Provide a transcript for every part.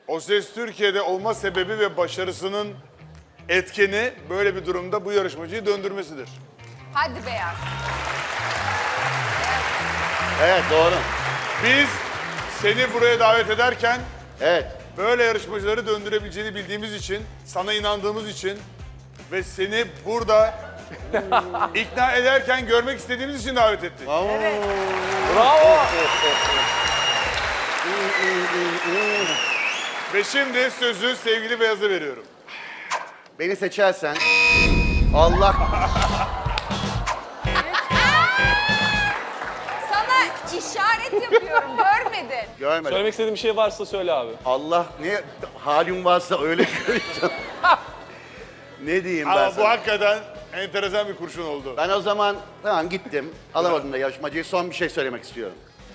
O Ses Türkiye'de olma sebebi ve başarısının etkeni böyle bir durumda bu yarışmacıyı döndürmesidir. Hadi Beyaz. Evet doğru. Biz seni buraya davet ederken Evet. böyle yarışmacıları döndürebileceğini bildiğimiz için, sana inandığımız için ve seni burada ikna ederken görmek istediğimiz için davet ettik. Bravo. Ve şimdi sözü sevgili Beyaz'a veriyorum. Beni seçersen Allah Sana işaret yapıyorum, görmedin. görmedim. Söylemek istediğin bir şey varsa söyle abi. Allah ne halim varsa öyle söyleyeceğim. Ne diyeyim ben Ama bu sana? hakikaten enteresan bir kurşun oldu. Ben o zaman tamam gittim. Alamadım da yarışmacıyı. Son bir şey söylemek istiyorum.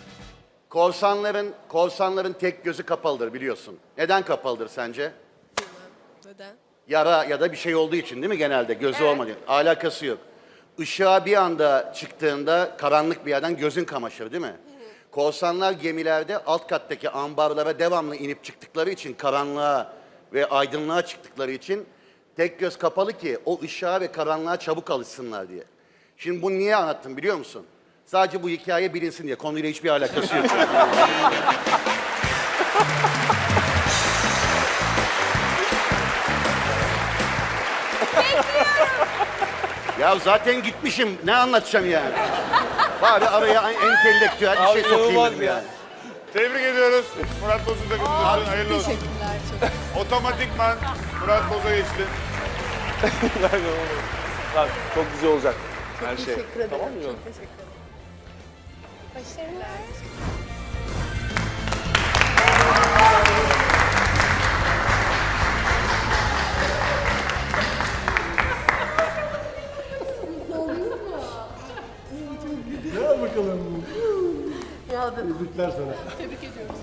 Korsanların tek gözü kapalıdır biliyorsun. Neden kapalıdır sence? Neden? Yara ya da bir şey olduğu için değil mi genelde? Gözü olmadığı. Alakası yok. Işığa bir anda çıktığında karanlık bir yerden gözün kamaşır değil mi? Korsanlar gemilerde alt kattaki ambarlara devamlı inip çıktıkları için karanlığa ve aydınlığa çıktıkları için tek göz kapalı ki o ışığa ve karanlığa çabuk alışsınlar diye. Şimdi bunu niye anlattım biliyor musun? Sadece bu hikaye bilinsin diye. Konuyla hiçbir alakası yok. Ya zaten gitmişim. Ne anlatacağım yani? Bari araya entelektüel bir Abi şey sokayım inanılmaz dedim ya. yani. Tebrik ediyoruz. Murat Boz'un takımımızın hayırlı olsun. Teşekkürler çok. Otomatikman Murat Boz'a geçti. Lan, çok güzel olacak her şey. Teşekkür ederim. Tamam mı? Çok teşekkür ederim. Başarılar. Gel bakalım. Ya da Tebrikler sana. tebrik ediyoruz.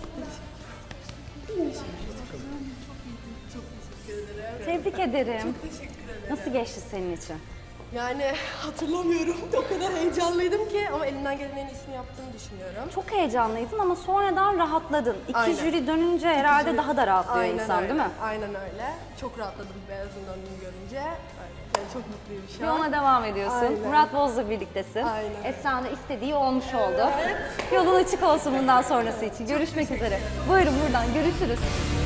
Tebrik ederim. Nasıl geçti senin için? Yani hatırlamıyorum. O kadar heyecanlıydım ki ama elimden gelen en iyisini yaptığımı düşünüyorum. Çok heyecanlıydın ama sonradan rahatladın. İki Aynen. jüri dönünce herhalde daha da rahatlıyor insan öyle. değil mi? Aynen öyle. Çok rahatladım Beyaz'ın önünü görünce. Öyle. Yani çok mutluyum şu an. Yoluna devam ediyorsun. Aynen. Murat Boz'la birliktesin. Aynen. Esra'nın istediği olmuş oldu. Yolun açık olsun bundan sonrası için. Görüşmek üzere. Buyurun buradan görüşürüz.